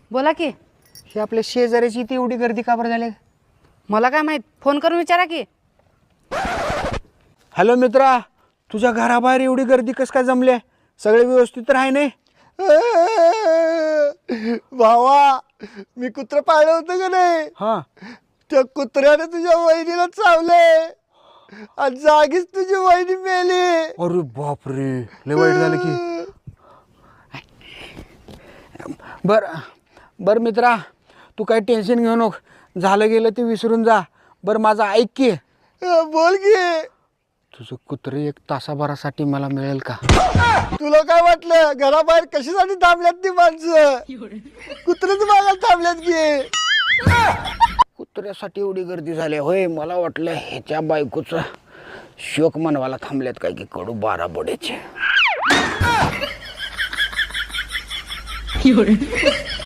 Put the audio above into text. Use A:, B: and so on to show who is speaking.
A: बोला की.
B: हे आपल्या शेजाऱ्याची ती एवढी गर्दी का बरं झाली?
A: मला काय माहित, फोन करून विचारा की.
B: हॅलो मित्रा, तुझ्या घराबाहेर एवढी गर्दी कस काय जमली? सगळे व्यवस्थित तर आहे नाही?
C: भावा, मी कुत्र पाळलं होतं का नाही?
B: हां.
C: त्या कुत्र्याने तुझ्या वहिनीला चावले आणि जागीच तुझी वहिनी मेली.
B: अरे बापरे, लय वाईट झालं की. बर मित्रा, तू काही टेन्शन घेऊ नको, झालं गेलं ते विसरून जा. बरं माझं ऐक की.
C: बोल की.
B: तुझं कुत्रे 1 तासाभरासाठी मला मिळेल का?
C: तुला काय वाटलं घराबाहेर कशासाठी थांबल्यात ती माणसं? कुत्र्याच मागायला थांबल्यात की.
B: कुत्र्यासाठी एवढी गर्दी झाली होय? मला वाटलं ह्याच्या बायकोचं शोक मनवायला थांबल्यात काय की कडू 12 बोड्याचे.